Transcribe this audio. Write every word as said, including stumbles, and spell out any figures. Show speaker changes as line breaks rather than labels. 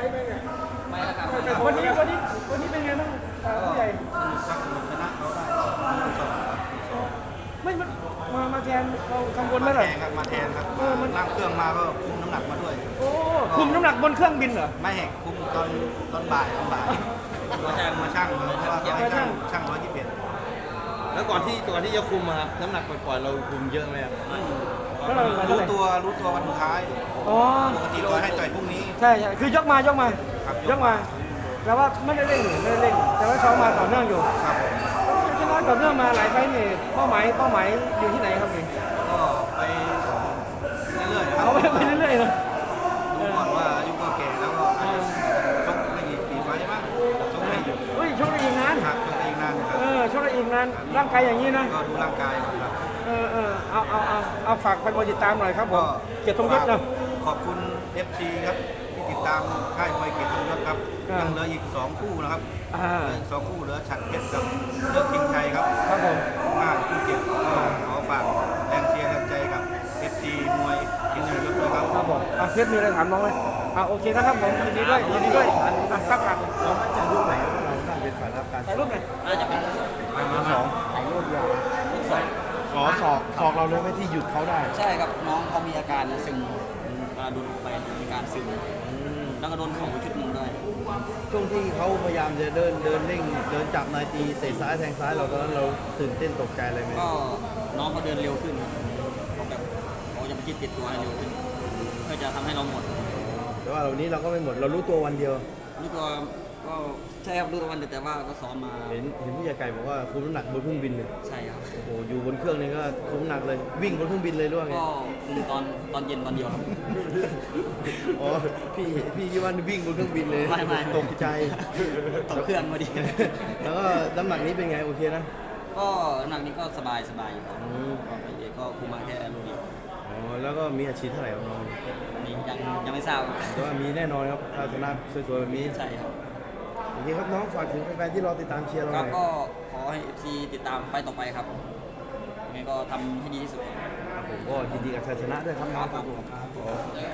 ไหมเนี่ย
ไม่แล้วครับ
วันนี้วันนี้วันนี้เป็นไงบ้างผู้ใหญ่
สนุกครับสนุกชนะเขาได้สองครับ
ไม่มามามาแทนเรากังวลไหม
มา
ล่ะ
แทนครับมาแทนครับ
เออมัน
นั่งเครื่องมาก็คุมน้ำหนักมาด้วย
โอ้คุมน้ำหนักบนเครื่องบินเหรอ
ไม่แหกคุมตอนตอนบ่ายตอนบ่ายมาช่างมาช่างเลยเพราะว่าเขาให้ช่างช่างร้อยยี่สิบเอ็ด
แล้วก่อนที่ก่อนที่จะคุมอะครับน้ำหนักปล่อยๆเราคุมเยอะไหมครับ
แล้วเรา
รู้ตัวรู้ตัววันสุดท้าย
อ๋อ
ปกติตัวให้ต่อยพรุ่งนี้
ใช่ใช่คือยกมายกมา
ครับ
ยกมาแต่ว่าไม่ได้เร่งไม่ได้เร่งแต่ว่าซ้อมมาต่อเนื่องอยู่
ครับ
ชนะต่อเนื่องมาหลายไฟล์นี่เป้าหมายเป้าหมายอยู่ที่ไหนครับนี่
ก็ไปเรื่อยๆครั
เอา
บ
ไปไปเรื่อยๆนะ
ดูก่อนว่าอายุก็แก่แล้วก็อาจจะชกไม่กี่กี่ไฟล์บ้างชกไม่อยู่
เฮ้ยชกได้อีกนาน
ครับชกได้อีกนานครั
เอบ อชกได้อีกนานร่างกายอย่างนี้นะ
ก็ดูร่างกายก่อนครับ
เออเออเอาเอาเอาเอาฝากไปติดตามหน่อยครับผมเกียรติทรงยศนะ
ขอบคุณ เอฟ ซี ครับที่ติดตามค่ายมวยเกียรติทรงยศครับ
อ่ายั
ยังเหลืออีกสองคู่นะครับ
อ่า
เหลืออีกสองคู่เหลือฉัดเพชรกับเลือกคิงชัยครับ
ครับผม
ห้าคู่เจ็ดก็ขอฝากแรงเชียร์แรงใจกับ เอฟ ซี มวยเกียรติทรงยศด้วยครับ
ครับผมอ่ะเพชรมีอะไรถามน้องไหมอ่ะโอเคนะครับผมยินดีด้วยยินดีด้วยอ่ะครับครับ
เรามั่นใจรูปไหนว่าเราได้เป็นฝ่ายรับการ
ถ่ายรูปหน่อย
น่าจะเป็นสอง
มาสอง
ถ่ายรูปเดียว
สอง
ขอสอกสอกเราเลยไหม่ที่หยุดเขาได้
ใช่ครับน้องเขามีอาการซึมเวลาโดนไปมีการซึมแล้วก็โดนเข่าชุดหนึ่งด้วย
ช่วงที่เขาพยายามจะเดินเดินเร่งเดินจับนายตีเตะซ้ายแทงซ้ายเราตอนนั้นเราตื่นเต้นตกใจอะไรไหม
ก็น้องเขาเดินเร็วขึ้นเขาแบบเขาจะไปจิตติดตัวให้เร็วขึ้นเพื่อจะทำให้เราหมด
แต่ว่าวันนี้เราก็ไม่หมดเรารู้ตัววันเดียว
รู้ตัวก็ใช่ครับรู้ตัววันเดียวแต่ว่าก็ซ้อมมา
เห็นเห็นผู้ใหญ่ไก่บอกว่าคุมน้ำหนักบนเครื่องบินเลย
ใช่ครับ
โอ้โหอยู่บนเครื่องนี่ก็คุมน้ำหนักเลยวิ่งบนเครื่องบินเลยหรือว่าไง
ก็คุมตอนตอนเย็นตอนเดียวครับ
อ๋อพี่พี่คิดว่าวิ่งบนเครื่องบินเลย
ไม่ไม่
ตกใจ
ตกเครื่องพอดี
แล้วก็น้ำหนักนี้เป็นไงโอเคนะ
ก็น้ำหนักนี้ก็สบายสบายอยู่ครับ
อืม
ก็ไปเอกก็คุมมาแค่โลเดียว
อ๋อแล้วก็มีอาชีพเท่าไหร่ครับน้อง
นี่ยังยังไม่ทราบครับ
แต่ว่ามีแน่นอนครับถ้าชนะสวยๆแบบนี้
ใช่ครับ
โอเคครับน้องฝากถึงแฟนๆที่รอติดตามเชียร์เรา
ค
ห
รับ
น่อย
ก็ขอให้ เอฟ ซี ติดตามไฟต์ต่อไปครับยังไงก็ทำให้ดีที่สุด
ผมก็ยินดีกับชัยชนะด้วยครับน้องครับผม